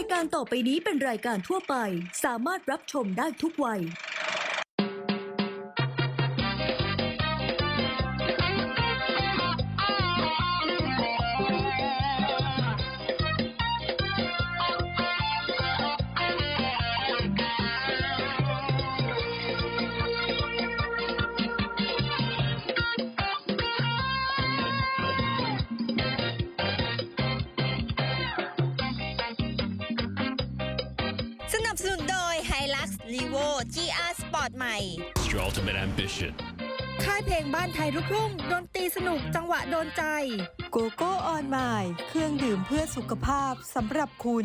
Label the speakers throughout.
Speaker 1: ายการต่อไปนี้เป็นรายการทั่วไปสามารถรับชมได้ทุกวัย
Speaker 2: สนับสนุนโดย Hilux Levo GR Sport ใหม่
Speaker 3: It's your ultimate ambition.
Speaker 2: ค่ายเพลงบ้านไทยลูกทุ่งดนตรีสนุกจังหวะโดนใจ
Speaker 4: โกโก้ออนไมล์เครื่องดื่มเพื่อสุขภาพสำหรับคุณ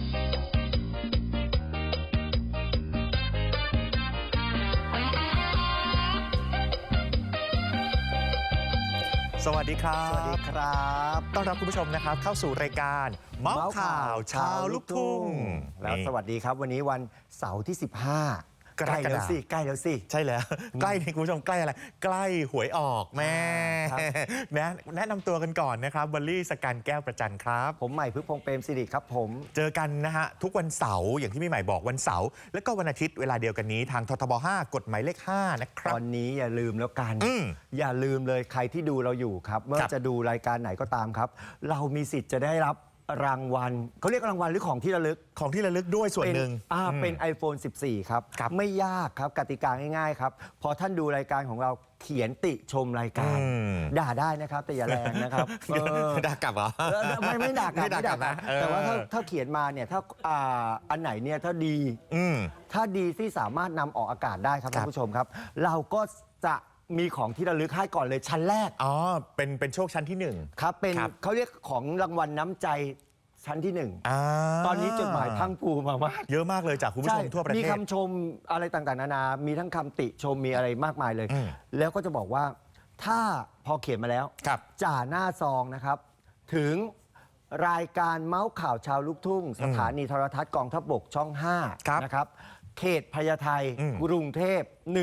Speaker 5: สวัสดีครับ
Speaker 6: สวัสดีครับ
Speaker 5: ต้อนรับคุณผู้ชมนะครับเข้าสู่รายการเมาส์ข่าวเช้าลูกทุ่ง
Speaker 6: แล้วสวัสดีครับวันนี้วันเสาร์ที่ 15
Speaker 5: กรกฎาคม
Speaker 6: ใกล้แล้วสิใกล้แล้วสิ
Speaker 5: ใช่แล้ว ใกล้นี่คุณผู้ชมใกล้อะไร ใกล้หวยออกแม่
Speaker 6: ครับ
Speaker 5: แนะนำตัวกันก่อนนะครับบัลลี่สกันแก้วประจันครับ
Speaker 6: ผมใหม่พึกพงษ์เปรมสิริครับผม
Speaker 5: เจอกันนะฮะทุกวันเสาร์อย่างที่พี่ใหม่บอกวันเสาร์แล้วก็วันอาทิตย์เวลาเดียวกันนี้ทางททบ 5 กฎหมายเลข 5 นะครั
Speaker 6: ต
Speaker 5: บ
Speaker 6: อนนี้อย่าลืมแล้วกัน
Speaker 5: อืม
Speaker 6: อย่าลืมเลยใครที่ดูเราอยู่ครับเมื่อ
Speaker 5: ครับ
Speaker 6: จะดูรายการไหนก็ตามครับ เรามีสิทธิ์จะได้รับรางวัลเขาเรียกรางวัลหรือของที่ระลึก
Speaker 5: ของที่ระลึกด้วยส่วนหนึ่ง
Speaker 6: เป็น iPhone 14 ครับ
Speaker 5: ครับ
Speaker 6: ไม่ยากครับกติกาง่ายๆครับพอท่านดูรายการของเราเขียนติชมรายการ ด่าได้นะครับแต่อย่าแรงนะครับ
Speaker 5: ด่ากลับเหรอ
Speaker 6: ไม่ด่ากลับ
Speaker 5: ไม่ด่ากลับนะ
Speaker 6: แต่ว่าถ้าเขียนมาเนี่ยถ้าอันไหนเนี่ยถ้าดี
Speaker 5: อืม
Speaker 6: ถ้าดีที่สามารถนำออกอากาศได้ครับ
Speaker 5: ครับ
Speaker 6: ท่านผู้ชมครับ เราก็จะมีของที่ระลึกให้ก่อนเลยชั้นแรก
Speaker 5: อ๋อเป็นโชคชั้นที่หนึ่ง
Speaker 6: ครับเป็น
Speaker 5: ครับ
Speaker 6: เขาเรียกของรางวัลน้ำใจชั้นที่หนึ่ง
Speaker 5: อ่า
Speaker 6: ตอนนี้จดหมายพังผูมามาก
Speaker 5: เยอะมากเลยจากคุณผู้ชมทั่วประเทศ
Speaker 6: มีคำชมอะไรต่างๆนานา มีทั้งคำติชมมีอะไรมากมายเลย
Speaker 5: อืม
Speaker 6: แล้วก็จะบอกว่าถ้าพอเขียนมาแล้ว
Speaker 5: ครับ
Speaker 6: จ่าหน้าซองนะครับ ถึงรายการเมาส์ข่าวชาวลูกทุ่ง สถานีโทรทัศน์กองทัพบกช่อง
Speaker 5: ครับ
Speaker 6: 5 นะครับ เขตพญาไท
Speaker 5: อืม
Speaker 6: กรุงเทพ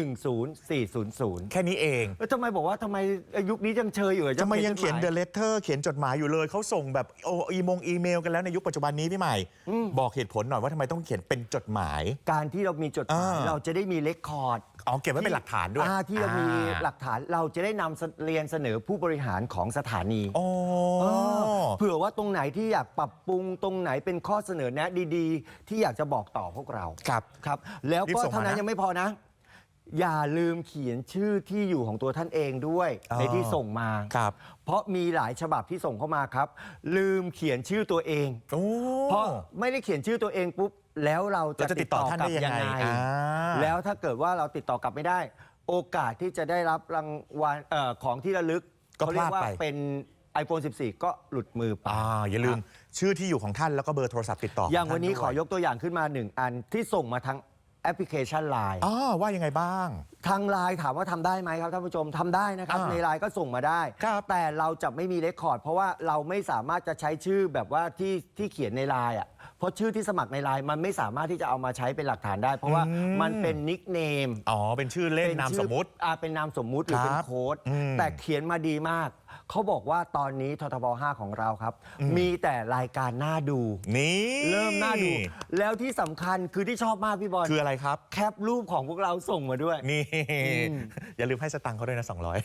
Speaker 6: 10400
Speaker 5: แค่นี้เอง
Speaker 6: แล้วทำไมบอกว่าทำไมยุคนี้ยังเชยอยู่เหรอ
Speaker 5: ทำไมยังเขียน
Speaker 6: จดห
Speaker 5: เด
Speaker 6: มา
Speaker 5: อะเลเตอร์เขียนจดหมายอยู่เลย เขาส่งแบบอีเมลกันแล้วในยุคปัจจุบันนี้พี่ใหม่ บอกเหตุผลหน่อยว่าทำไมต้องเขียนเป็นจดหมาย
Speaker 6: การที่เรามีจดหมาย เราจะได้มีเลคคอร์ด
Speaker 5: อ๋อเก็บไว้เป็นหลักฐานด้วย
Speaker 6: ที่เรามีหลักฐานเราจะได้นำเรียนเสนอผู้บริหารของสถานี
Speaker 5: โอ้
Speaker 6: เผื่อว่าตรงไหนที่อยากปรับปรุงตรงไหนเป็นข้อเสนอแนะดีๆ ที่อยากจะบอกต่อพวกเรา
Speaker 5: ครับ
Speaker 6: ครับแล้ว
Speaker 5: รีบ
Speaker 6: ก็
Speaker 5: ส่งมา
Speaker 6: เท่านั้น
Speaker 5: นะ
Speaker 6: ยังไม่พอนะ อย่าลืมเขียนชื่อที่อยู่ของตัวท่านเองด้วย
Speaker 5: อ๋อ
Speaker 6: ในที่ส่งมา
Speaker 5: ครับ
Speaker 6: เพราะมีหลายฉบับที่ส่งเข้ามาครับ ลืมเขียนชื่อตัวเอง
Speaker 5: โอ้
Speaker 6: เพราะไม่ได้เขียนชื่อตัวเองปุ๊บแล้วเราจะ
Speaker 5: เราจะติดต่อท่านได้ยังไงอ่า
Speaker 6: แล้วถ้าเกิดว่าเราติดต่อกลับไม่ได้ โอกาสที่จะได้รับรางวัลของที่ระลึก
Speaker 5: ก็
Speaker 6: เขาเรียกว่า
Speaker 5: พลาดไป
Speaker 6: เป็น iPhone 14 ก็หลุดมือไป
Speaker 5: อย่าลืมชื่อที่อยู่ของท่านแล้วก็เบอร์โทรศัพท์ติดต่อ
Speaker 6: อ
Speaker 5: อย่าง
Speaker 6: วันนี้ขอยกตัวอย่างขึ้นมาหนึ่งอันที่ส่งมาทางแอปพลิเคชัน Line
Speaker 5: อ๋อว่ายังไงบ้าง
Speaker 6: ทางไลน์ถามว่าทำได้ไหมครับท่านผู้ชมทำได้นะครับ ในไลน์ก็ส่งมาได้
Speaker 5: ครับ
Speaker 6: แต่เราจะไม่มีเรคคอร์ดเพราะว่าเราไม่สามารถจะใช้ชื่อแบบว่าที่เขียนในไลน์อ่ะเพราะชื่อที่สมัครในไลน์มันไม่สามารถที่จะเอามาใช้เป็นหลักฐานได้ เพราะว่ามันเป็นนิกเนม
Speaker 5: อ๋อเป็นชื่อเล่นนามสมมุติ
Speaker 6: เป็นนามสมมุติหรือเป็น
Speaker 5: ครับ
Speaker 6: โค้ด
Speaker 5: อืม
Speaker 6: แต่เขียนมาดีมาก เขาบอกว่าตอนนี้ททบ 5 ของเราครับ มีแต่รายการน่าดู
Speaker 5: นี่
Speaker 6: เริ่มน่าดู แล้วที่สำคัญคือที่ชอบมากพี่บอล
Speaker 5: คืออะไรครับ
Speaker 6: แคปรูปของพวกเราส่งมาด้วย
Speaker 5: นี่ อย่าลืมให้สตังค์เขาด้วยนะ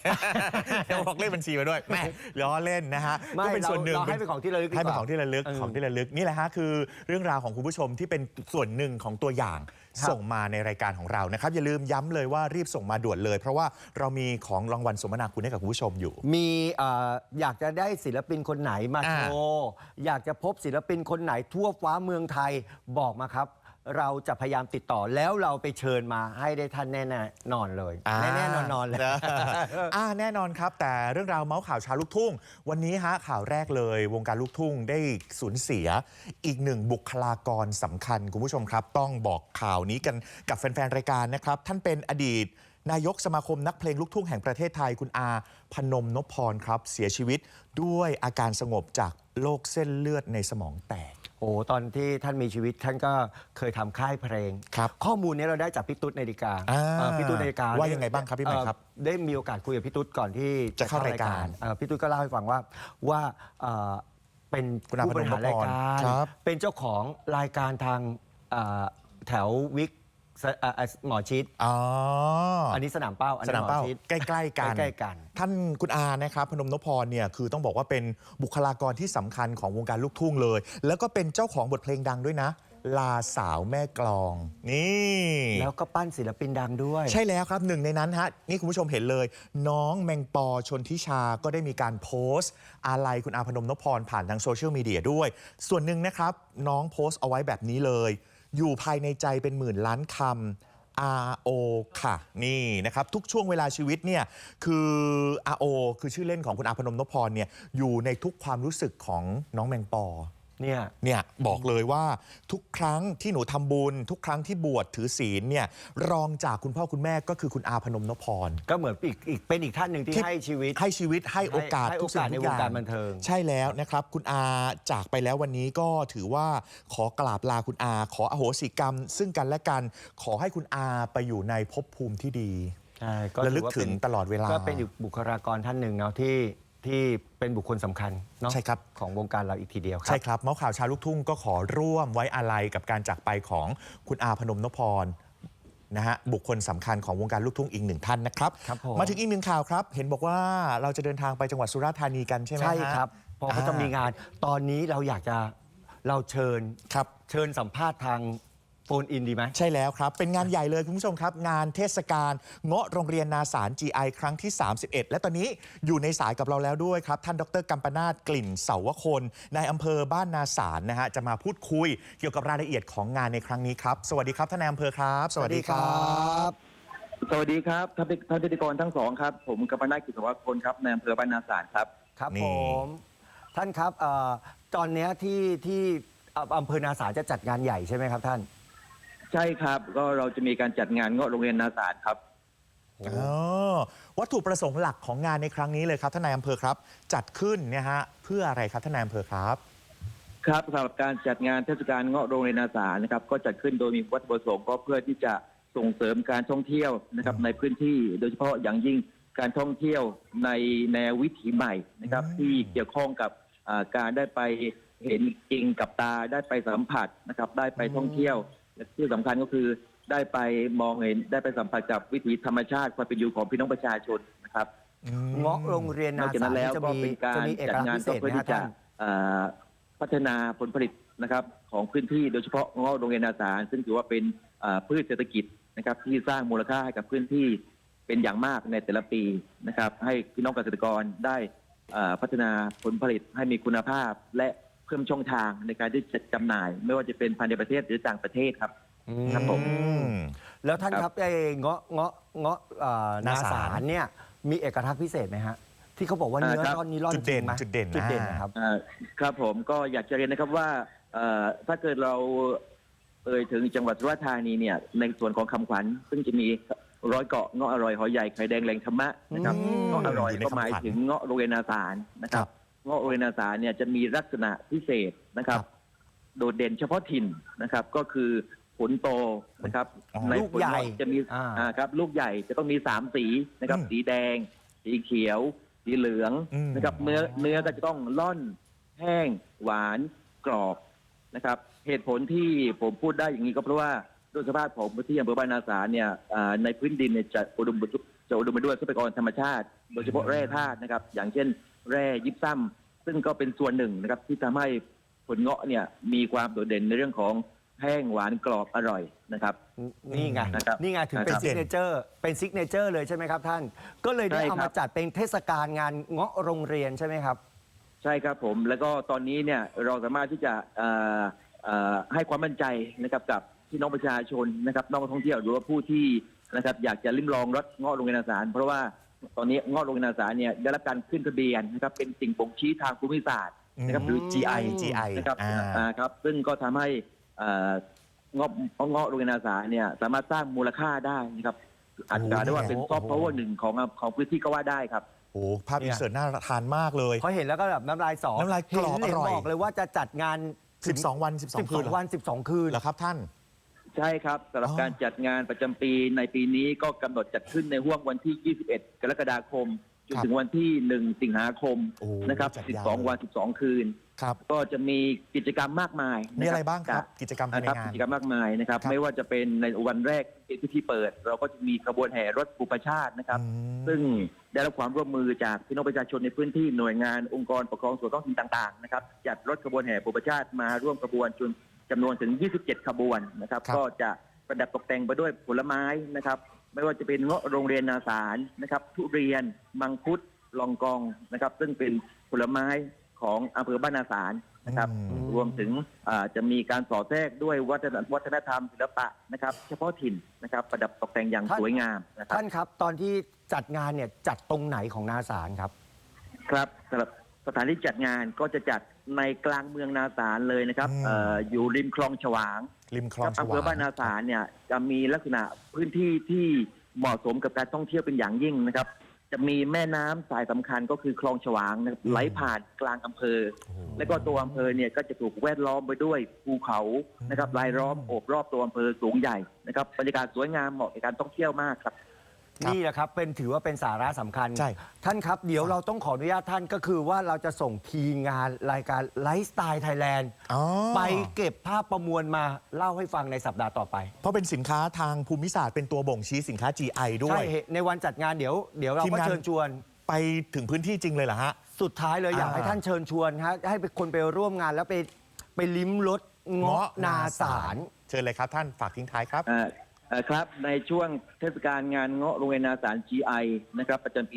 Speaker 5: 200 เดี๋ยวบอกเลขบัญชีมาด้วยแม่ล้อเล่นนะฮะ
Speaker 6: ไม่
Speaker 5: ก็เป็นส่วนหนึ่ง
Speaker 6: เราให้เป็นของที่ระลึกดีกว่า
Speaker 5: ให้เป็นของที่ระลึก
Speaker 6: เออ
Speaker 5: ของที่ระลึกนี่แหละฮะคือเรื่องราวของคุณผู้ชมที่เป็นส่วนหนึ่งของตัวอย่าง
Speaker 6: ครับ
Speaker 5: ส่งมาในรายการของเรานะครับอย่าลืมย้ำเลยว่ารีบส่งมาด่วนเลย เพราะว่าเรามีของรางวัลสมนาคุณให้กับคุณผู้ชมอยู่
Speaker 6: มีอยากจะได้ศิลปินคนไหนมา
Speaker 5: อ่า
Speaker 6: โชว์อยากจะพบศิลปินคนไหนทั่วฟ้าเมืองไทยบอกมาครับ เราจะพยายามติดต่อแล้วเราไปเชิญมาให้ได้ท่านแน่ๆนอนเลยแน่ๆนอนๆเลย
Speaker 5: แน่นอนครับ แต่เรื่องราวเมาส์ข่าวเชาวลูกทุ่ง วันนี้ฮะข่าวแรกเลย วงการลูกทุ่งได้สูญเสียอีกหนึ่งบุคลากรสำคัญคุณผู้ชมครับ ต้องบอกข่าวนี้กันกับแฟนๆรายการนะครับ ท่านเป็นอดีต นายกสมาคมนักเพลงลูกทุ่งแห่งประเทศไทยคุณอาพนมนพพรครับเสียชีวิตด้วยอาการสงบจากโรคเส้นเลือดในสมองแตก
Speaker 6: โอ้ตอนที่ท่านมีชีวิตท่านก็เคยทำค่ายเพลง
Speaker 5: ครับ
Speaker 6: ข้อมูลนี้เราได้จากพี่ตุ๊ดนาฬิกา พี่ตุ๊ดนาฬิกา
Speaker 5: ว่ายังไงบ้างครับพี่ใหม่ครับ
Speaker 6: ได้มีโอกาสคุยกับพี่ตุ๊ดก่อนที่
Speaker 5: จะเข้ารายการ
Speaker 6: พี่ตุ๊ดก็เล่าให้ฟังว่าเป็น
Speaker 5: คุณอา
Speaker 6: ผู้บริหารรายการ
Speaker 5: ครับ
Speaker 6: เป็นเจ้าของรายการทางแถววิกหมอชิด
Speaker 5: อ๋อ
Speaker 6: อันนี้สนามเป้าอัน
Speaker 5: ส
Speaker 6: นี้
Speaker 5: นาม
Speaker 6: หมอ
Speaker 5: เป้า
Speaker 6: ชิด
Speaker 5: ใกล้ๆกัน
Speaker 6: ใกล้ๆกัน
Speaker 5: ท่านคุณอานะครับพนมนพพรเนี่ยคือต้องบอกว่าเป็นบุคลากรที่สำคัญของวงการลูกทุ่งเลย แล้วก็เป็นเจ้าของบทเพลงดังด้วยนะ ลาสาวแม่กลอง นี่
Speaker 6: แล้วก็ปั้นศิลปินดังด้วย
Speaker 5: ใช่แล้วครับหนึ่งในนั้นฮะนี่คุณผู้ชมเห็นเลย น้องแมงปอชนทิชาก็ได้มีการโพสต์อาลัยคุณอาพนมนพพรผ่านทางโซเชียลมีเดียด้วย ส่วนหนึ่งนะครับน้องโพสต์เอาไว้แบบนี้เลย อยู่ภายในใจเป็นหมื่นล้านคำ RO ค่ะนี่นะครับทุกช่วงเวลาชีวิตเนี่ยคือ RO คือชื่อเล่นของคุณอาพนมนพพรเนี่ยอยู่ในทุกความรู้สึกของน้องแมงปอ เนี่ยบอกเลยว่าทุกครั้งที่หนูทำบุญทุกครั้งที่บวชถือศีลเนี่ยรองจากคุณพ่อคุณแม่ก็คือคุณอาพนมนพพร
Speaker 6: ก็เหมือนเป็นอีกท่านหนึ่งที่ให้ชีวิต
Speaker 5: ให้โอกาส
Speaker 6: ให้
Speaker 5: ทุ
Speaker 6: โอก
Speaker 5: สิ่
Speaker 6: กาส
Speaker 5: ง
Speaker 6: ใน
Speaker 5: ทุก
Speaker 6: ว
Speaker 5: อง ย่าง
Speaker 6: การบันเทิง
Speaker 5: ใช่แล้วนะครับคุณอาจากไปแล้ววันนี้ก็ถือว่าขอกราบลาคุณอาขออโหสิกรรม ซึ่งกันและกันขอให้คุณอาไปอยู่ในภพภูมิที่ดี
Speaker 6: ใช่
Speaker 5: ระลึกถึงตลอดเวลา
Speaker 6: ก็เป็นอีกบุคลากรท่านหนึ่งเนาะที่เป็นบุคคลสำคัญเนาะ
Speaker 5: ใช่ครับ
Speaker 6: ของวงการเราอีกทีเดียวครั
Speaker 5: ใช่ครับเมาส์ข่าวเชาวลูกทุ่งก็ขอร่วมไว้อาลัยกับการจากไปของคุณอาพนมนพพรนะฮะบุคคลสำคัญของวงการลูกทุ่งอีกหนึ่งท่านนะครับ
Speaker 6: ครับผม
Speaker 5: มาถึงอีกหนึ่งข่าวครับ เห็นบอกว่าเราจะเดินทางไปจังหวัดสุราษฎร์ธานีกันใช่ไหมฮะ
Speaker 6: ใช่ครับพอเขาจะมีงานตอนนี้เราเชิญ
Speaker 5: ครับ
Speaker 6: สัมภาษณ์ทางโฟนอินดีไหม
Speaker 5: ใช่แล้วครับ เป็นงานใหญ่เลยคุณผู้ชมครับ งานเทศกาลเงาะโรงเรียนนาสาร GI ครั้งที่ 31 และตอนนี้อยู่ในสายกับเราแล้วด้วยครับ ท่านดรกัมปนาทกลิ่นเสาวคนนายอำเภอบ้านนาสารนะฮะจะมาพูดคุยเกี่ยวกับรายละเอียดของงานในครั้งนี้ครับสวัสดีครับท่านนายอำเภอครับ
Speaker 6: สวัสดีครับ
Speaker 3: สวัสดีครับท่านพิธีกรทั้งสองครับ ผมกัมปนาท กิจวัฒน์พลครับในอำเภอบ้านนาสารครับ
Speaker 6: ครับ
Speaker 5: นี่
Speaker 6: ผมท่านครับตอนเนี้ยที่อำเภอนาสารจะจัดงานใหญ่ใช่ไหมครับท่าน
Speaker 3: ใช่ครับก็เราจะมีการจัดงานเงาะโรงเรียนนาสารครับ
Speaker 5: วัตถุประสงค์หลักของงานในครั้งนี้เลยครับท่านนายอำเภอครับ จัดขึ้นเนี่ยฮะเพื่ออะไรครับท่านนายอำเภอครับ
Speaker 3: ครับสำหรับการจัดงานเทศกาลเงาะโรงเรียนนาสารนะครับก็จัดขึ้นโดยมีวัตถุประสงค์ก็เพื่อที่จะส่งเสริมการท่องเที่ยวนะครับในพื้นที่โดยเฉพาะอย่างยิ่งการท่องเที่ยวในแนววิถีใหม่นะครับที่เกี่ยวข้องกับการได้ไปเห็นจริงกับตาได้ไปสัมผัสนะครับได้ไปท่องเที่ยวและที่สำคัญก็คือได้ไปมองเห็นได้ไปสัมผัสกับวิถีธรรมชาติความเป็นอยู่ของพี่น้องประชาชนนะครับ
Speaker 6: เงาะโรงเรียน
Speaker 3: น
Speaker 6: นา
Speaker 3: อกจาก
Speaker 6: สา
Speaker 3: นั้
Speaker 6: ร
Speaker 3: นแล้ว
Speaker 6: จะ
Speaker 3: ก็
Speaker 6: มี
Speaker 3: เป็นการ
Speaker 6: เอก
Speaker 3: จัด
Speaker 6: ลักษ
Speaker 3: งาน
Speaker 6: ณ์พิเศ
Speaker 3: ก็
Speaker 6: ษ
Speaker 3: เพื่อ
Speaker 6: ไหม
Speaker 3: ที่
Speaker 6: ค
Speaker 3: จะ
Speaker 6: รับท่าน
Speaker 3: พัฒนาผลผลิตนะครับของพื้นที่โดยเฉพาะเงาะโรงเรียนนาสารซึ่งถือว่าเป็นพืชเศรษฐกิจนะครับที่สร้างมูลค่าให้กับพื้นที่เป็นอย่างมากในแต่ละปีนะครับให้พี่น้องเกษตรกรได้พัฒนาผลผลิตให้มีคุณภาพ และเพิ่มช่องทางในการที่จะจำหน่าย ไม่ว่าจะเป็นภายในประเทศหรือต่างประเทศครับ ครับผม
Speaker 6: แล้วท่านครับไอ้เงาะนา
Speaker 5: นาสา
Speaker 6: สาร รเนี่ยมีเอกลักษณ์พิเศษไหมฮะที่เขาบอกว่าเนื้อ
Speaker 3: ครับ
Speaker 6: ร่อนนี้ร่อน
Speaker 5: จุดเด่น
Speaker 6: จริงไหม
Speaker 5: จุดเด่น
Speaker 6: จุดเด่นนะครับ
Speaker 3: ครับผมก็อยากจะเรียนนะครับว่าถ้าเกิดเราถึงจังหวัดสุราษฎร์ธานีเนี่ยในส่วนของคำขวัญซึ่งจะมีร้อยเกาะเงาะอร่อยหอยใหญ่ไข่แดงแหล่งธรรมะนะครับ เงาะอร่อย
Speaker 5: อยู่ใน
Speaker 3: ก็หมาย
Speaker 5: คำขวัญ
Speaker 3: ถึงเงาะโรงเรียนนาสารนะครั
Speaker 5: ครับ บ
Speaker 3: เงาะโรงเรียนนาสารเนี่ยจะมีลักษณะพิเศษนะครับ
Speaker 5: ครับ
Speaker 3: โดดเด่นเฉพาะถิ่นนะครับก็คือผลโตนะครับ
Speaker 5: อ๋อ
Speaker 3: ใน
Speaker 6: ลูกใหญ่
Speaker 3: ผเงาะจะมีครับลูกใหญ่จะต้องมี3สีนะครับ
Speaker 5: อืม
Speaker 3: สีแดง สีเขียว สีเหลือง
Speaker 5: อืม
Speaker 3: นะครับเนื้อก็จะต้องล่อนแห้ง หวานกรอบนะครับ เหตุผลที่ผมพูดได้อย่างนี้ก็เพราะว่าด้วยสภาพของพื้นที่อำเภอบ้านนาสารเนี่ยในพื้นดินเนี่ยจะอุดมไปด้วยทรัพยากรธรรมชาติ โดยเฉพาะแร่ธาตุนะครับ อย่างเช่น แร่ยิปซัมซึ่งก็เป็นส่วนหนึ่งนะครับที่ทำให้ผลเงาะเนี่ยมีความโดดเด่นในเรื่องของแห้งหวานกรอบอร่อยนะครับ
Speaker 6: นี่ไง
Speaker 3: นะครับ
Speaker 6: นี่ไงถึงเป็น
Speaker 3: นะครับ
Speaker 6: ซิกเนเจอร์เป็นซิกเนเจอร์เลยใช่ไหมครับท่าน ก็เลยได้
Speaker 3: ใช่
Speaker 6: เอา
Speaker 3: ครั
Speaker 6: มา
Speaker 3: บ
Speaker 6: จัดเป็นเทศกาลงานเงาะโรงเรียนใช่ไหมครับ
Speaker 3: ใช่ครับผมแล้วก็ตอนนี้เนี่ยเราสามารถที่จะให้ความมั่นใจนะครับกับพี่น้องประชาชนนะครับนักท่องเที่ยวหรือว่าผู้ที่นะครับอยากจะลิ้มลองรสเงาะโรงเรียนนาสารเพราะว่าตอนนี้เงาะโรงเรียนนาสารเนี่ยได้รับการขึ้นทะเบียนนะครับเป็นสิ่งบ่งชี้ทางภูมิศาสตร์นะครับหรือ GI นะครับครับซึ่งก็ทำให้เงาะโรงเรียนนาสารเนี่ยสามารถสร้างมูลค่าได้นะครับอาจจะได้ว่าเป็นซอฟต์พาวเวอร์หนึ่งของพื้นที่ก็ว่าได้ครับ
Speaker 5: โอ้ภาพอินเสิร์ตน่าทานมากเลย
Speaker 6: พอเห็นแล้วก็แบบน้ำลายสอ
Speaker 5: น้ำลายกรอบ
Speaker 6: เห็น
Speaker 5: อร่อย
Speaker 6: บอกเลยว่าจะจัดงาน
Speaker 5: 12 วัน 12 คืนเหรอ
Speaker 6: วัน 12 คืน
Speaker 5: เหรอครับท่าน
Speaker 3: ใช่ครับสำหรับ
Speaker 5: อ๋อ
Speaker 3: การจัดงานประจำปีในปีนี้ก็กำหนดจัดขึ้นในห่วงวันที่ 21 กรกฎาคมจนถึงวันที่ 1 สิงหาคม
Speaker 5: โอ้
Speaker 3: นะครับ
Speaker 5: จัดยาว
Speaker 3: 12 วัน 12 คืน
Speaker 5: ครับ
Speaker 3: ก็จะมีกิจกรรมมากมาย
Speaker 5: มีอะไรบ้างครับ กิจกรรมภายใน
Speaker 3: นะครับ
Speaker 5: งาน
Speaker 3: กิจกรรมมากมายนะครับ
Speaker 5: ครับ
Speaker 3: ไม่ว่าจะเป็นในวันแรกเป็นพิธีเปิด เราก็จะมีขบวนแห่รถบุปชาตินะครับ
Speaker 5: อืม
Speaker 3: ซึ่งได้รับความร่วมมือจากพี่น้องประชาชนในพื้นที่หน่วยงานองค์กรปกครองส่วนท้องถิ่นต่างๆนะครับจัดรถขบวนแห่บุปชาติมาร่วมขบวนจำนวนถึง 27 ขบวนนะครับ
Speaker 5: ครับ
Speaker 3: ก็จะประดับตกแต่งไปด้วยผลไม้นะครับ ไม่ว่าจะเป็นเงาะโรงเรียนนาสารนะครับทุเรียนมังคุดลองกองนะครับ ซึ่งเป็นผลไม้ของอำเภอบ้านนาสารนะครับ
Speaker 5: อืม
Speaker 3: รวมถึงจะมีการสอดแทรกด้วยวัฒนธรรมศิลปะนะครับเฉพาะถิ่นนะครับประดับตกแต่งอย่างสวยงามนะครับ
Speaker 6: ท่านครับตอนที่จัดงานเนี่ยจัดตรงไหนของนาสารครับ
Speaker 3: ครับสำหรับสถานที่จัดงานก็จะจัดในกลางเมืองนาสารเลยนะครับ อยู่ริมคลองฉวาง
Speaker 5: ริมคลอง
Speaker 3: อำเภอบ้านนาสารเนี่ยจะมีลักษณะพื้นที่ที่เหมาะสมกับการท่องเที่ยวเป็นอย่างยิ่งนะครับ จะมีแม่น้ำสายสำคัญก็คือคลองฉวางนะครับไหลผ่านกลางอำเภอ
Speaker 5: โอ้โห
Speaker 3: และก็ตัวอำเภอเนี่ยก็จะถูกแวดล้อมไปด้วยภูเขานะครับรายล้อมโอบรอบตัวอำเภอสูงใหญ่นะครับบรรยากาศสวยงามเหมาะกับการท่องเที่ยวมากครับ
Speaker 6: นี่แหละครับถือว่าเป็นสาระสำคัญ
Speaker 5: ใช่
Speaker 6: ท่านครับเดี๋ยวเราต้องขออนุญาตท่านก็คือว่าเราจะส่งทีมงานรายการไลฟ์สไตล์ไทยแลนด์
Speaker 5: อ๋อ
Speaker 6: ไปเก็บภาพประมวลมาเล่าให้ฟังในสัปดาห์ต่อไป
Speaker 5: เพราะเป็นสินค้าทางภูมิศาสตร์เป็นตัวบ่งชี้สินค้า GI ด้ว
Speaker 6: ใช่
Speaker 5: ย
Speaker 6: ในวันจัดงานเดี๋ยวเรา
Speaker 5: ทีม
Speaker 6: ก็
Speaker 5: งาน
Speaker 6: เชิญชวน
Speaker 5: ไปถึงพื้นที่จริงเลยเหรอฮะ
Speaker 6: สุดท้ายเลยอยากให้ท่านเชิญชวนฮะให้คนไปร่วมงานแล้วไปลิ้มรสเงาะนาสาร
Speaker 5: เชิญเลยครับท่านฝากทิ้งท้ายครับ
Speaker 3: ครับในช่วงเทศกาลงานเงาะโรงเรียนนาสาร GI นะครับประจำปี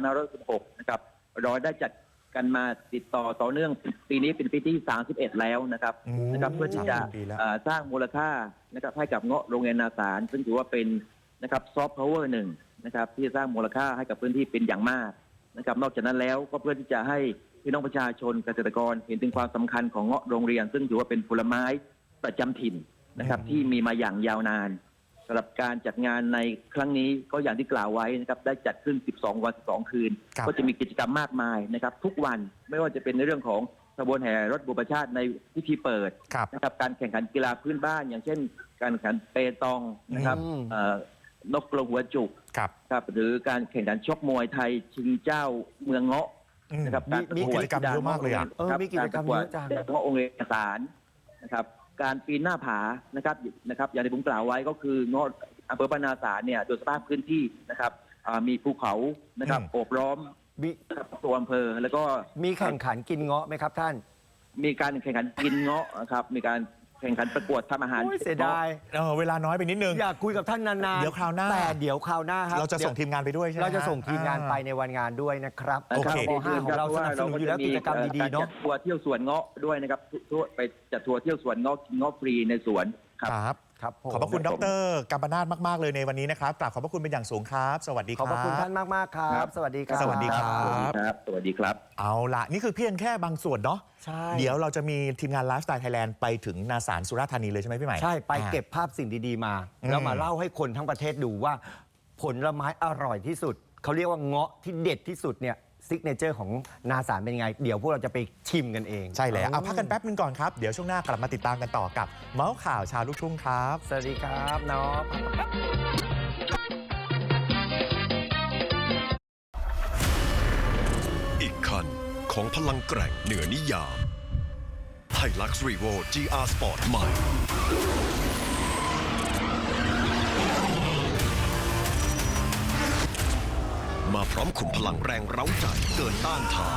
Speaker 3: 2516 นะครับเราได้จัดกันมาติดต่อเนื่องปีนี้เป็นปีที่ 31 แล้วนะครับ
Speaker 5: อืม
Speaker 3: นะครับเพื่อที่จะ
Speaker 5: 30 ปีแล้ว
Speaker 3: สร้างมูลค่านะครับให้กับเงาะโรงเรียนนาสาร ซึ่งถือว่าเป็นนะครับซอฟต์พาวเวอร์หนึ่งนะครับที่จะสร้างมูลค่าให้กับพื้นที่เป็นอย่างมากนะครับนอกจากนั้นแล้วก็เพื่อที่จะให้พี่น้องประชาชนเกษตรกรเห็นถึงความสำคัญของเงาะโรงเรียน ซึ่งถือว่าเป็นผลไม้ประจำถิ่นนะครับที่มีมาอย่างยาวนานสำหรับการจัดงานในครั้งนี้ก็อย่างที่กล่าวไว้นะครับได้จัดขึ้น 12 วัน 12 คืน
Speaker 5: ครับ
Speaker 3: ก็จะมีกิจกรรมมากมายนะครับทุกวันไม่ว่าจะเป็นในเรื่องของขบวนแห่รถบุปชาติในพิธีเปิด
Speaker 5: ครับ
Speaker 3: นะครับการแข่งขันกีฬาพื้นบ้าน อย่างเช่น การแข่งขันเปตองนะครับ
Speaker 6: อืม
Speaker 3: นกกระหัวจุก
Speaker 5: ครับ
Speaker 3: ครับหรือการแข่งขันชกมวยไทยชิงเจ้าเมืองเงาะ
Speaker 5: อืม
Speaker 3: นะครับ
Speaker 5: มีกิจกรรมเยอะมากเลยอะ
Speaker 6: มีกิจกรรมเยอะจัง
Speaker 3: การประกวดเงาะองค์เอกสารนะครับการปีนหน้าผานะครับอย่างที่ผมกล่าวไว้ก็คือเงาะอำเภอบ้านนาสารเนี่ยโดยสภาพพื้นที่นะครับมีภูเขานะครับโอบล้อม
Speaker 6: มี
Speaker 3: ตัวอำเภอแล้วก็
Speaker 6: มีแข่งขันกินเงาะไหมครับท่าน
Speaker 3: มีการแข่งขันกินเงาะนะครับมีการแข่งขันประกวดทำอาหาร
Speaker 6: โอ้ยเสียดาย
Speaker 5: เวลาน้อยไปนิดนึง
Speaker 6: อยากคุยกับท่านนานๆ
Speaker 5: เดี๋ยวคราวหน้า
Speaker 6: แต่เดี๋ยวคราวหน้าครับ
Speaker 5: เราจะส่งทีมงานไปด้วยใช่ไหม
Speaker 6: เราจะส่งทีมงานไป
Speaker 5: อ่
Speaker 6: ในวันงานด้วยนะครับ
Speaker 5: โอเค
Speaker 6: ป .5 ของเราสนับสนุนอยู่แล้วกิจกรรมดีๆเนาะ
Speaker 3: จัดทัวร์เที่ยวสวนเงาะด้วยนะครับทั่วไปจัดทัวร์เที่ยวสวนเงาะกินเงาะฟรีในสวนครับ
Speaker 5: ครับ
Speaker 6: ครับผม
Speaker 5: ขอบพระคุณดรกัมปนาทมาก ๆ เลยในวันนี้นะครับกราบขอบพระคุณเป็นอย่างสูงครับ สวัสดีค
Speaker 6: ข
Speaker 5: รั
Speaker 6: อบบ พระคุณท่านมากๆครับ สวัสดีครับ
Speaker 5: สวัสดีครับ
Speaker 3: สวัสดีครับ สวัสดีครับ
Speaker 5: เอาละนี่คือเพียงแค่บางส่วนเนาะ
Speaker 6: ใช่
Speaker 5: เดี๋ยวเราจะมีทีมงานไลฟ์สไตล์ไทยแลนด์ไปถึงนาสารสุราษฎร์ธานีเลยใช่ไหมพี่ใหม่
Speaker 6: ใช่ไปเก็บภาพสิ่งดีๆมา แล้วมาเล่าให้คนทั้งประเทศดูว่าผลไม้อร่อยที่สุด เขาเรียกว่าเงาะที่เด็ดที่สุดเนี่ยซิกเนเจอร์ของนาสารเป็นไง เดี๋ยวพวกเราจะไปชิมกันเอง
Speaker 5: ใช่แล้วเอาพักกันแป๊บนึงก่อนครับ เดี๋ยวช่วงหน้ากลับมาติดตามกันต่อกับเมาส์ข่าวชาวลูกทุ่งครับ
Speaker 6: สวัสดีครับน้อง
Speaker 7: อีกคันของพลังแกร่งเหนือนิยามไฮลักซ์รีโว GR Sport ใหม่ มาพร้อมขุมพลังแรงเร้าใจเกินต้านทาน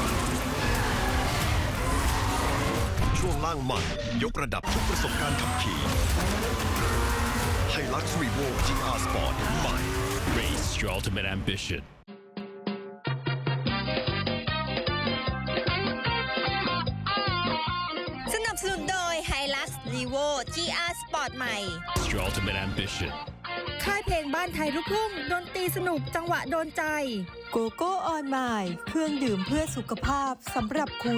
Speaker 7: ช่วงล่างใหม่ยกระดับทุกประสบการณ์ขับขี่ไฮลักซ์รีโว GR Sport ใหม่
Speaker 8: Race your ultimate ambition.
Speaker 2: สนับสนุนโดย Hilux Levo GR Sport ใหม่
Speaker 8: Your ultimate ambition.
Speaker 9: ค่ายเพลงบ้านไทยลูกทุ่งดนตรีสนุกจังหวะโดนใจ
Speaker 4: โกโก้ออนไมล์เครื่องดื่มเพื่อสุขภาพสำหรับคุณ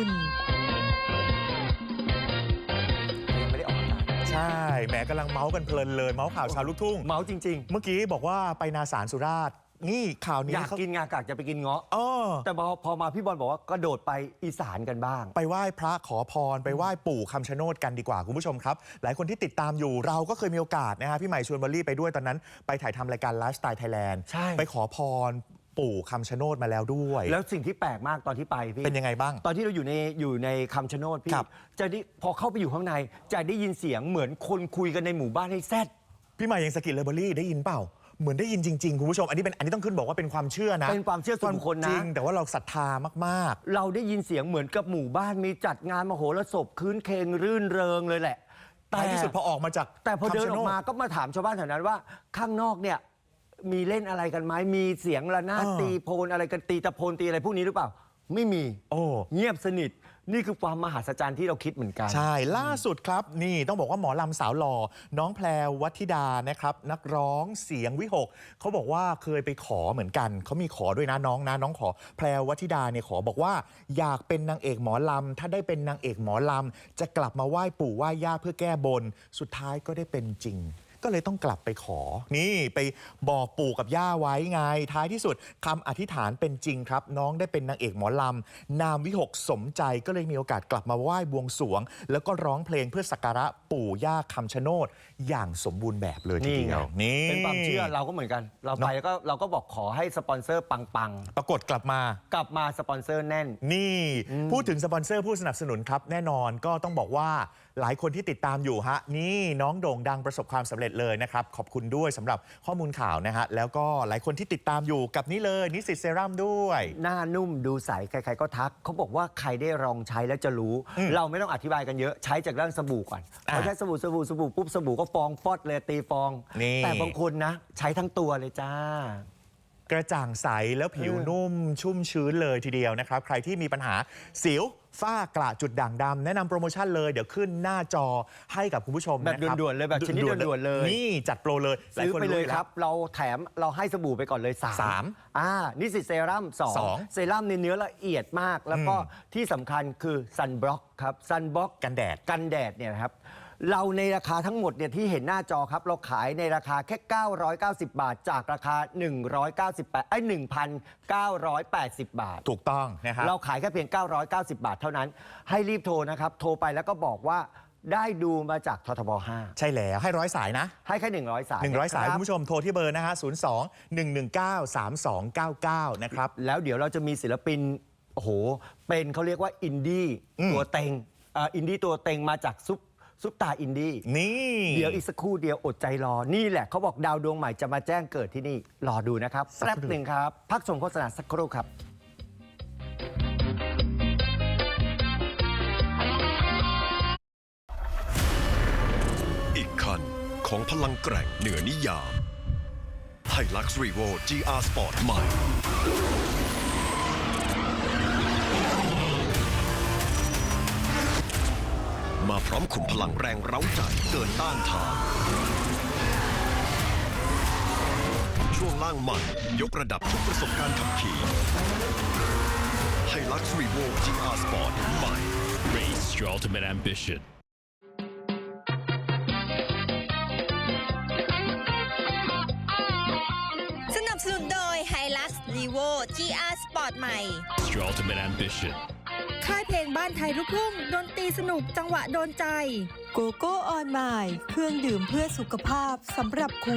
Speaker 6: ยังไม่ได้ออกอากาศ
Speaker 5: ใช่แหมกำลังเมาส์กันเพลินเลยเมาส์ข่าวชาวลูกทุ่ง
Speaker 6: เมาจริง
Speaker 5: เมื่อกี้บอกว่าไปนาสารสุราษฎร์นี่ข่าว
Speaker 6: ๆ
Speaker 5: นี้
Speaker 6: อยาก
Speaker 5: เขา
Speaker 6: กินงากากจะไปกินเงาะ
Speaker 5: อ้อ
Speaker 6: แต่พอมาพี่บอลบอกว่ากระโดดไปอีสานกันบ้าง
Speaker 5: ไปไหว้พระขอพรไปไหว้ปู่คำชะโนดกันดีกว่าคุณผู้ชมครับ หลายคนที่ติดตามอยู่เราก็เคยมีโอกาสนะฮะพี่ใหม่ชวนวอลลี่ไปด้วยตอนนั้นไปถ่ายทำรายการไลฟ์สไตล์ไทยแลนด์
Speaker 6: ใช่
Speaker 5: ไปขอพรปู่คำชะโนดมาแล้วด้วย
Speaker 6: แล้วสิ่งที่แปลกมากตอนที่ไปพี่
Speaker 5: เป็นยังไงบ้าง
Speaker 6: ตอนที่เราอยู่ในคำชะโนดพี่
Speaker 5: ครับ
Speaker 6: จะได้พอเข้าไปอยู่ข้างในจะได้ยินเสียงเหมือนคนคุยกันในหมู่บ้านให้แซด
Speaker 5: พี่มายังสกิลเลเบอรี่ได้ยินเปล่า เหมือนได้ยินจริงๆคุณผู้ชมอันนี้ต้องขึ้นบอกว่าเป็นความเชื่อนะ
Speaker 6: เป็นความเชื่อส่วนบุคคลนะ
Speaker 5: จริงแต่ว่าเราศรัทธามาก
Speaker 6: เราได้ยินเสียงเหมือนกับหมู่บ้านมีจัดงานมโหรสพคืนเคงรื่นเริงเลยแหละ
Speaker 5: ๆท้ายที่สุดพอออกมาจาก
Speaker 6: แต่พอเดินอ
Speaker 5: คำชะ
Speaker 6: อ
Speaker 5: โ
Speaker 6: กมาก็มาถามชาวบ้านแถวนั้นว่าข้างนอกเนี่ยมีเล่นอะไรกันไหมมีเสียงระนาดตีโพนอะไรกันตีตะโพนตีอะไรพวกนี้หรือเปล่า ไม่มี
Speaker 5: โอ้
Speaker 6: เงียบสนิทนี่คือความมหัศจรรย์ที่เราคิดเหมือนกัน
Speaker 5: ใช่ ล่าสุดครับนี่ต้องบอกว่าหมอลำสาวหล่อน้องแพรวัธิดานะครับนักร้องเสียงวิหกเขาบอกว่าเคยไปขอเหมือนกันเขามีขอด้วยนะน้องขอแพรวัธิดาเนี่ยขอบอกว่าอยากเป็นนางเอกหมอลำถ้าได้เป็นนางเอกหมอลำจะกลับมาไหว้ปู่ไหว้ย่าเพื่อแก้บนสุดท้ายก็ได้เป็นจริง ก็เลยต้องกลับไปขอ นี่ไปบอกปู่กับย่าไว้ไง ท้ายที่สุดคำอธิษฐานเป็นจริงครับ น้องได้เป็นนางเอกหมอลำนามวิหกสมใจก็เลยมีโอกาสกลับมาไหว้บวงสรวง แล้วก็ร้องเพลงเพื่อสักการะปู่ย่าคำชะโนดอย่างสมบูรณ์แบบเลยทีเดียวนี่
Speaker 6: เป็นความเชื่อเราก็เหมือนกัน เราไปแล้วก็เราก็บอกขอให้สปอนเซอร์ปัง
Speaker 5: ปรากฏกลับมา
Speaker 6: ๆ กลับมาสปอนเซอร์แน่น
Speaker 5: นี่พูดถึงสปอนเซอร์ผู้สนับสนุนครับแน่นอนก็ต้องบอกว่าหลายคนที่ติดตามอยู่ฮะนี่น้องโด่งดังประสบความสำเร็จเลยนะครับขอบคุณด้วยสำหรับข้อมูลข่าวนะฮะแล้วก็หลายคนที่ติดตามอยู่กับนี่เลยนิสสิตเซรั่มด้วย
Speaker 6: หน้านุ่มดูใสใครๆก็ทักเขาบอกว่าใครได้ลองใช้แล้วจะรู้ เราไม่ต้องอธิบายกันเยอะใช้จากเรื่องสบู่ก่อนพอใช้สบู่ปุ๊บสบู่ก็ฟองฟอดเลยตีฟอง
Speaker 5: นี่
Speaker 6: แต่บางคนนะใช้ทั้งตัวเลยจ้า
Speaker 5: กระจ่างใสแล้วผิวนุ่มชุ่มชื้นเลยทีเดียวนะครับใครที่มีปัญหาสิวฝ้ากระจุดด่างดำแนะนำโปรโมชั่นเลยเดี๋ยวขึ้นหน้าจอให้กับคุณผู้ชม
Speaker 6: แบบ
Speaker 5: นะครับ
Speaker 6: ด่วนๆเลยแบบชนิดด่วนๆเลย
Speaker 5: นี่จัดโปรเลยหา
Speaker 6: ซื้อ
Speaker 5: คน
Speaker 6: ไปเลย
Speaker 5: แว
Speaker 6: ครับ เราแถมเราให้สบู่ไปก่อนเลย3
Speaker 5: สาม
Speaker 6: นิสสิตเซรั่ม
Speaker 5: สอง
Speaker 6: 2เซรั่มในเนื้อละเอียดมาก แล้วก็ที่สำคัญคือซันบล็อกครับซันบล็อก
Speaker 5: กันแดด
Speaker 6: กันแดดเนี่ยนะครับเราในราคาทั้งหมดเนี่ยที่เห็นหน้าจอครับเราขายในราคาแค่ 990 บาท จากราคา 1,980 บาท
Speaker 5: ถูกต้องนะครับ
Speaker 6: เราขายแค่เพียง 990 บาทเท่านั้น ให้รีบโทรนะครับ โทรไปแล้วก็บอกว่าได้ดูมาจากททบ 5
Speaker 5: ใช่แล้วให้100 สายนะ
Speaker 6: ให้แค่100 สาย
Speaker 5: 100 สาย
Speaker 6: นะรับ
Speaker 5: คุณผู้ชมโทรที่เบอร์นะฮะ02-119-3299 นะครับ
Speaker 6: แล้วเดี๋ยวเราจะมีศิลปินโอ้โหเป็นเขาเรียกว่าอินดี้ตัวเต็งอินดี้ตัวเต็งมาจากซุปตาอินดี้
Speaker 5: นี่
Speaker 6: เดี๋ยวอีกสักครู่เดียวอดใจรอ นี่แหละเขาบอกดาวดวงใหม่จะมาแจ้งเกิดที่นี่ รอดูนะครับแป๊บหนึ่งครับ พักชมโฆษณาสักครู่ครับ
Speaker 7: อีกคันของพลังแกร่งเหนือนิยามไฮลักซ์รีโว GR Sport ใหม่ มาพร้อมขุมพลังแรงเร้าใจเกินต้านทาน ช่วงล่างใหม่ยกระดับทุกประสบการณ์ขับขี่ไฮลักซ์รีโว GR Sport ใหม่
Speaker 8: Race your ultimate ambition.
Speaker 2: สนับสนุนโดย Hilux Levo GR Sport ใหม่
Speaker 8: Your ultimate ambition.
Speaker 9: ค่ายเพลงบ้านไทยลูกทุ่งดนตรีสนุกจังหวะโดนใจ
Speaker 4: โกโก้ออนไมล์เครื่องดื่มเพื่อสุขภาพสำหรับคุณ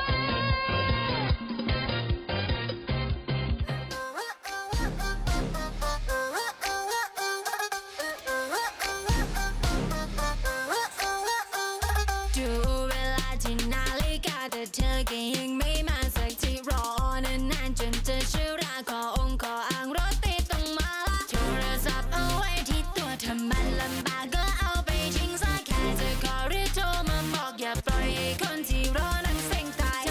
Speaker 10: ดูเวลาที่นาฬิกาแต่เธอก็ยังไม่มาสักทีรอนานๆจนจะชื่อราขอองค์ขออ้างรถติดต้องมาละโทรศัพท์เอาไว้ที่ตัวถ้ามันลำบากก็เอาไปทิ้งซะแค่จะขอหรือโทรมาบอกอย่าปล่อยให้คนที่รอนั้นเซ็งตาย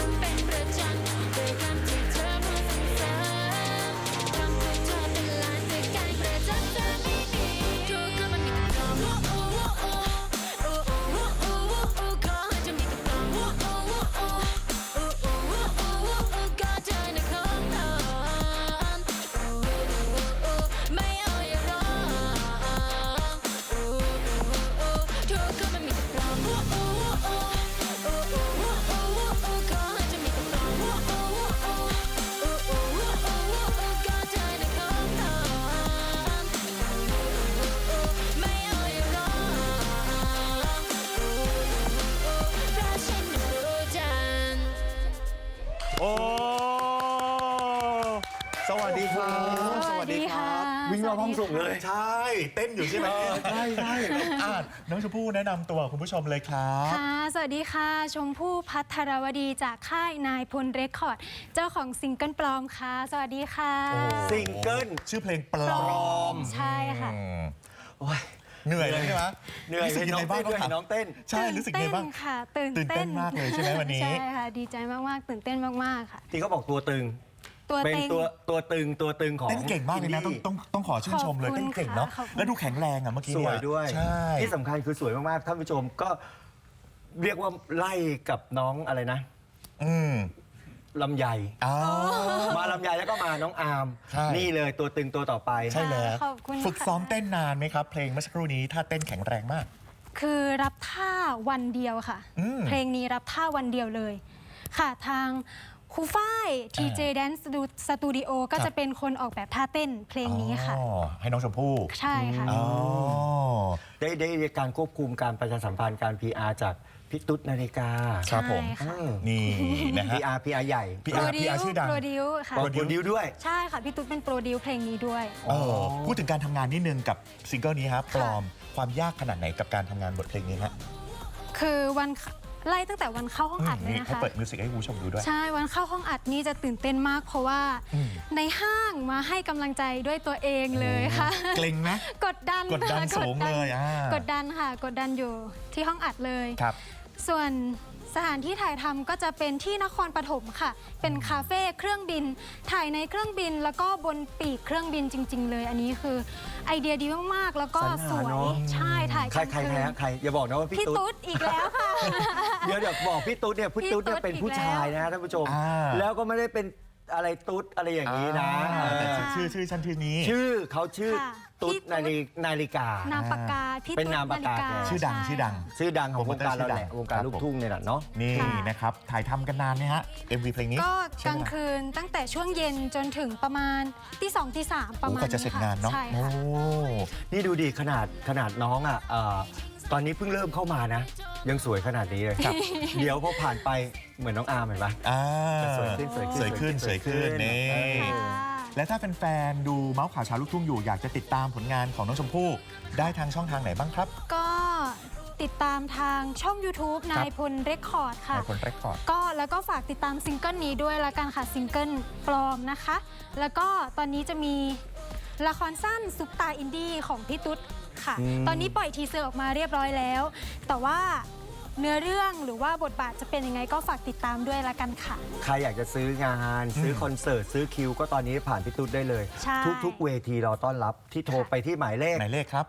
Speaker 6: วิ่งรอบห้องส่งเลย
Speaker 5: ใช่ เต้นอยู่ใช่ไหม
Speaker 6: ใช่ใช่
Speaker 5: น้องชมพู่แนะนำตัวคุณผู้ชมเลยครับ
Speaker 10: ค่ะ สวัสดีค่ะ ชมพู่พัทรวดีจากค่ายนายพลเรคคอร์ด เจ้าของซิงเกิลปลอมค่ะ สวัสดีค่ะ
Speaker 6: ซิงเกิล
Speaker 5: ชื่อเพลงปลอม
Speaker 10: ใช่ค่ะ
Speaker 6: โอ้ย
Speaker 5: เหนื่อยเลยใช่ไหม
Speaker 6: เหนื่อย
Speaker 5: รู้สึกยังไงบ้าง
Speaker 6: ด้วย
Speaker 5: ครับ
Speaker 6: น้องเต้น
Speaker 5: ใช่รู้สึกยังไงบ้าง
Speaker 10: ตื่นเต้นค่ะ ตื่น
Speaker 5: ตื่นเต้นมากเลยใช่ไหมวันนี้
Speaker 10: ใช่ค่ะ ดีใจมากๆ ตื่นเต้นมากๆค่ะ
Speaker 6: ที่เขาบอกตัวตึง
Speaker 10: ตัว
Speaker 6: เป็น
Speaker 10: เต็ง
Speaker 6: ตัวตึงของ
Speaker 5: เต้นเก่งมากเลยนะ
Speaker 6: อิดี้
Speaker 5: ต้องขอชื่นชมเลย
Speaker 10: ขอบคุณ
Speaker 5: เต้นเก่งเนาะ
Speaker 10: ค่ะขอบคุณ
Speaker 5: แล้วดูแข็งแรงอ่ะเมื่อกี้
Speaker 6: ส
Speaker 5: เนี่
Speaker 6: วยด้วย
Speaker 5: ใช่
Speaker 6: ที่สำคัญคือสวยมากๆท่านผู้ชมก็เรียกว่าไล่กับน้องอะไรนะ
Speaker 5: อืม
Speaker 6: ลำไย
Speaker 5: อ๋อ
Speaker 6: มาลำไยแล้วก็มาน้องอาร์ม
Speaker 5: ใช่
Speaker 6: นี่เลยตัวตึงตัวต่อไป
Speaker 5: ใช่แล้ว
Speaker 10: ขอบคุณ
Speaker 5: ฝึกซ้อม
Speaker 10: ค่ะ
Speaker 5: เต้นนานไหมครับ เพลงเมื่อสักครู่นี้ถ้าเต้นแข็งแรงมาก
Speaker 10: คือรับท่าวันเดียวค่ะ
Speaker 5: อืม
Speaker 10: เพลงนี้รับท่าวันเดียวเลย ค่ะทางครูฝ้าย TJ Dance Studio ก็
Speaker 5: ครับ
Speaker 10: จะเป็นคนออกแบบท่าเต้นเพลงนี้ค่ะ
Speaker 5: อ๋อให้น้องชมพู่
Speaker 10: ใช่ค่ะ
Speaker 5: อ๋อ
Speaker 6: ได้การควบคุมการประชาสัมพันธ์การ PR จากพี่ตุ๊ดนาฬิกา
Speaker 5: ครับผม
Speaker 10: ใช่ค่ะ
Speaker 5: นี่นะฮะ
Speaker 6: PR ใหญ่
Speaker 5: PR ชื่อดัง
Speaker 10: โปรดิวค่ะ
Speaker 6: บอกโปรดิวด้วย
Speaker 10: ใช่ค่ะ พี่ตุ๊ดเป็นโปรดิวเพลงนี้ด้วย
Speaker 5: พูดถึงการทำงานนิดนึงกับซิงเกิลนี้ครับปลอมความยากขนาดไหนกับการทำงานบทเพลงนี้ฮะ
Speaker 10: คือวันไล่ตั้งแต่วันเข้าห้องอัดเลย
Speaker 5: นี่
Speaker 10: นะ
Speaker 5: ให้
Speaker 10: คะ
Speaker 5: เปิดมิวสิกให้คุณผู้ชมดูด้วย
Speaker 10: ใช่ วันเข้าห้องอัดนี่จะตื่นเต้นมาก เพราะว่า
Speaker 5: อืม
Speaker 10: ในห้างมาให้กำลังใจด้วยตัวเองเลยค่ะ
Speaker 5: เกรงไหม
Speaker 10: กดดัน
Speaker 5: กดดัน
Speaker 10: ค่ะ
Speaker 5: สูงเลยอ่าก
Speaker 10: ดดันค่ะ กดดันอยู่ที่ห้องอัดเลย
Speaker 5: ครับ
Speaker 10: ส่วนสถานที่ถ่ายทำก็จะเป็นที่นครปฐมค่ะ เป็นคาเฟ่เครื่องบิน ถ่ายในเครื่องบินแล้วก็บนปีกเครื่องบินจริง ๆ เลย อันนี้คือไอเดียดีมากๆ แล้วก็
Speaker 6: สรร
Speaker 10: ส
Speaker 6: หา
Speaker 10: วย
Speaker 6: เนอะ
Speaker 10: ใช่ถ่าย
Speaker 6: ใคร
Speaker 10: กลางคืน
Speaker 6: ใครอย่าบอกนะว่าพี่
Speaker 10: พี่
Speaker 6: ตุ๊
Speaker 10: ตุ๊
Speaker 6: ด
Speaker 10: ดอีกแล้วค่ะ
Speaker 6: เดี๋ยวบอกพี่ตุ๊ดเนี่ยพี่ตุ๊ดเนี่ยเป็นผู้ชายนะฮะท่านผู้ชม
Speaker 5: อ่า
Speaker 6: แล้วก็ไม่ได้เป็นอะไรตุ๊ดอะไรอย่างนี้นะ
Speaker 5: แต่ชื่อชั้นชื่อนี้
Speaker 6: ชื่อเขาชื่อ
Speaker 10: ค่ะ
Speaker 6: ตุ๊ด
Speaker 10: พี่ตุ๊ด
Speaker 6: นาฬิกา
Speaker 10: นามปากกาพี่
Speaker 6: เป็น
Speaker 10: ตุ๊ด
Speaker 6: นามปากกา
Speaker 10: ฬิ
Speaker 5: ชื่อดัง
Speaker 10: ใ
Speaker 5: ชื่อดัง
Speaker 6: ชื่อดังของวงการเราแหละ
Speaker 5: โปรโมเตอร์ชื่อดัง
Speaker 6: วงการลูกทุ่งเนี่ยแหละเนาะ
Speaker 5: นี่
Speaker 10: ค่ะ
Speaker 5: นะครับถ่ายทำกันนานไหมฮะ MV เพลงนี้
Speaker 10: ก็ก
Speaker 5: ใช่
Speaker 10: ลาง
Speaker 5: ไหม
Speaker 10: คืนตั้งแต่ช่วงเย็นจนถึงประมาณตี 2 ตี 3 ประมาณ
Speaker 5: โอ้กว่าจะเสร็จงานเนาะ
Speaker 10: ใช่
Speaker 5: โอ้
Speaker 10: ค่ะ
Speaker 6: นี่ดูดิขนาดน้องอ่ะตอนนี้เพิ่งเริ่มเข้ามานะ ยังสวยขนาดนี้เลยครับ เดี๋ยวพอผ่านไปเหมือนน้องอาร์มเห็นปะ
Speaker 5: อ่า
Speaker 6: สวยขึ้น
Speaker 5: สวยขึ้นนี่
Speaker 10: ค่ะ
Speaker 5: และถ้าเป็นแฟนๆดูเมาส์ข่าวเช้าลูกทุ่งอยู่อยากจะติดตามผลงานของน้องชมพู่ได้ทางช่องทางไหนบ้างครับ
Speaker 10: ก็ติดตามทางช่อง YouTube นายพลเรคคอร์ดค่ะ
Speaker 5: ในคนเรคคอร์ด
Speaker 10: ก็แล้วก็ฝากติดตามซิงเกิลนี้ด้วยละกันค่ะซิงเกิลปลอมนะคะ แล้วก็ตอนนี้จะมีละครสั้นซุปตาอินดี้ของพี่ตุ๊ดค่ะ ตอนนี้ปล่อยทีเซอร์ออกมาเรียบร้อยแล้ว แต่ว่าเนื้อเรื่องหรือว่าบทบาทจะเป็นยังไงก็ฝากติดตามด้วยละกันค่ะ
Speaker 6: ใครอยากจะซื้องานซื้อคอนเสิร์ตซื้อคิวก็ตอนนี้ผ่านพี่ตุ๊ดได้เลย
Speaker 10: ใช่
Speaker 6: ทุกๆเวทีเราต้อนรับที่โทรไปที่หมายเลข
Speaker 5: หมายเลขครับ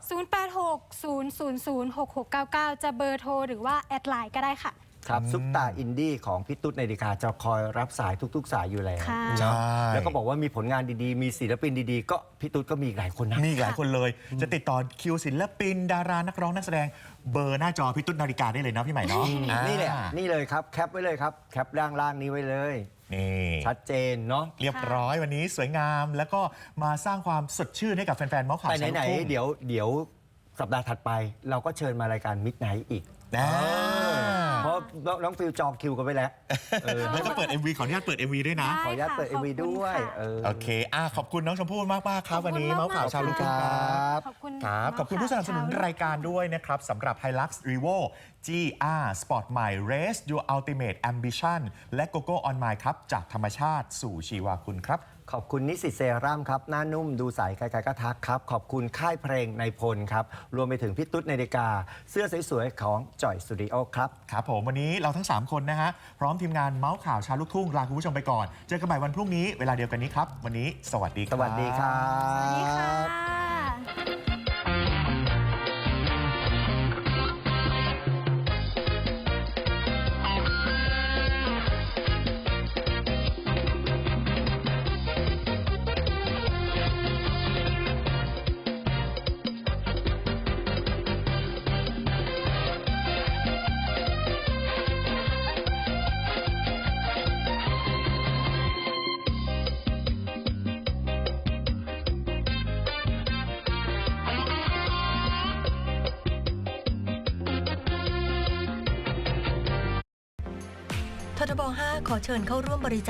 Speaker 10: 0860006699 จะเบอร์โทรหรือว่าแอดไลน์ก็ได้ค่ะ
Speaker 6: ครับซุปตาอินดี้ของพี่ตุ๊ดนาฬิกาจะคอยรับสายทุกๆ สายอยู่แล้ว
Speaker 10: ค่ะ
Speaker 6: เนาะ
Speaker 5: ใช่
Speaker 6: แล้วก็บอกว่ามีผลงานดีๆ มีศิลปินดีๆ ก็พี่ตุ๊ดก็มีอีกหลายคนนะ
Speaker 5: มีอีกหลายคนเลย จะติดต่อคิวศิลปิน ดารานักร้องนักแสดงเบอร์หน้าจอพี่ตุ๊ดนาฬิกาได้เลยนะพี่ใหม่เนาะ
Speaker 6: นี่แหละ
Speaker 5: อ่า
Speaker 6: นี่เลยครับแคปไว้เลยครับแคปล่างๆนี้ไว้เลย
Speaker 5: นี่
Speaker 6: ชัดเจนเนาะ
Speaker 5: เรียบร้อยวันนี้สวยงามแล้วก็มาสร้างความสดชื่นให้กับแฟนๆเมาส์ข่าว
Speaker 6: แต่
Speaker 5: เช้าลู
Speaker 6: ไหน
Speaker 5: กทุ่ง
Speaker 6: ๆเดี๋ยวสัปดาห์ถัดไป เราก็เชิญมารายการมิดไนท์อีก
Speaker 5: นะ
Speaker 6: เพราะน้องฟิลจองคิวกันไปแล้ว
Speaker 5: แล้วก็เปิด MV ขออนุญาตเปิด MV ด้วยนะ
Speaker 10: ได้
Speaker 6: ขออนุญาตเปิด
Speaker 10: ค่ะ
Speaker 6: MV ด้วย
Speaker 10: ขอบคุณค่ะ
Speaker 5: โอเคขอบคุณน้องชมพู่มากๆครับวันนี้เมาส์ข่าวเช้าลูกทุ่งครับ
Speaker 10: ขอบคุณ
Speaker 5: ครับขอบคุณผู้สนับสนุนรายการด้วยนะครับสำหรับ Hilux Revo GR Sport ใหม่ Race Your Ultimate Ambition และ GoGo On My ครับจากธรรมชาติสู่ชีวาคุณครับ
Speaker 6: ขอบคุณนิสิตเซรั่มครับ หน้านุ่มดูใสใครๆก็ทักครับ ขอบคุณค่ายเพลงในพลครับ รวมไปถึงพี่ตุ๊ดนาฬิกา เสื้อสวยๆของจ่อยสตูดิโอครับ
Speaker 5: ครับผมวันนี้เราทั้ง 3 คนนะฮะ พร้อมทีมงานเมาส์ข่าวเชาวลูกทุ่งลาคุณผู้ชมไปก่อน เจอกันใหม่วันพรุ่งนี้เวลาเดียวกันนี้ครับ วันนี้สวัสดีค
Speaker 6: ส
Speaker 5: รับ
Speaker 6: วัสดีครับ
Speaker 10: สวัสดีค่ะ
Speaker 1: ททบ 5 ขอเชิญเข้าร่วมบริจาค